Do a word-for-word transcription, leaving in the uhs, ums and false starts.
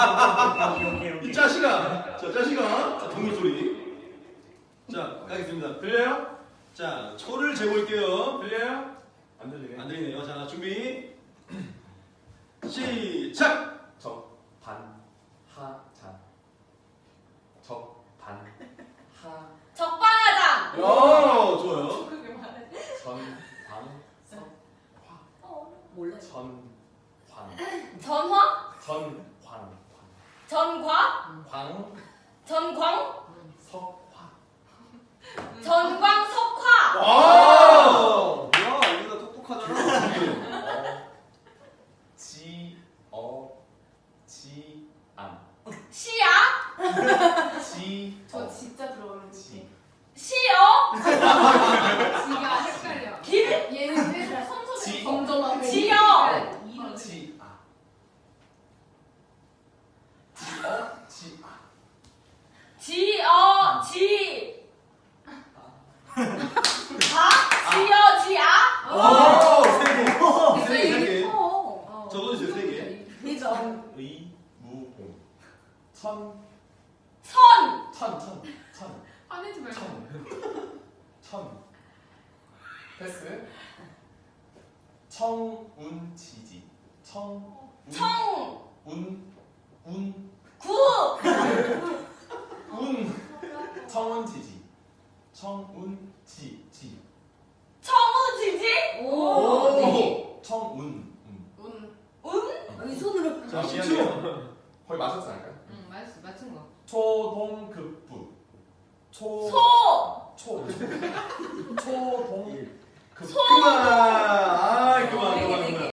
이 자식아. 자, 자식아. 자, 동물 소리. 자, 가겠습니다. 들려요? 자, 초를 재볼게요. 들려요? 안 들리네. 안 들리네요. 자, 준비. 시작. 적반 하장 적반 하 적반하장. 오, 좋아요. 그게 말해. 전광 어, 몰라. 전광 전화? 전광 전과? 광 전광? 석화 전광 석화. 와! 뭐야, 이거 다 똑똑하잖아. 지어 지안 시야? 지 저 진짜 들어오는 지 시여? 지가 헷갈려. 길? 얘는 왜 선소리 지. 점점하고 지요. 이름 지아 지어 지아 지어 지. 아? 지어 지아? 오, 세 개. 세 개, 세 개. 어. 적어주세요, 세 개. 회전. 의무봉 천 선. 천, 천, 천, 화내지 말고. 천, 천. 패스. 청운지지. 청, 청. 운, 운, 구. 운. 청운지지. 청운지, 지. 청우지지? 오. 청운. 음. 운. 운? 여기 손으로. 자, 미안해요. 거의 맞췄지 않을까요? 응, 맞았어. 맞춘 거. 초동급부. 초, 소. 초, 초동. 급. 소. 그만. 아, 그만, 네 개, 그만, 네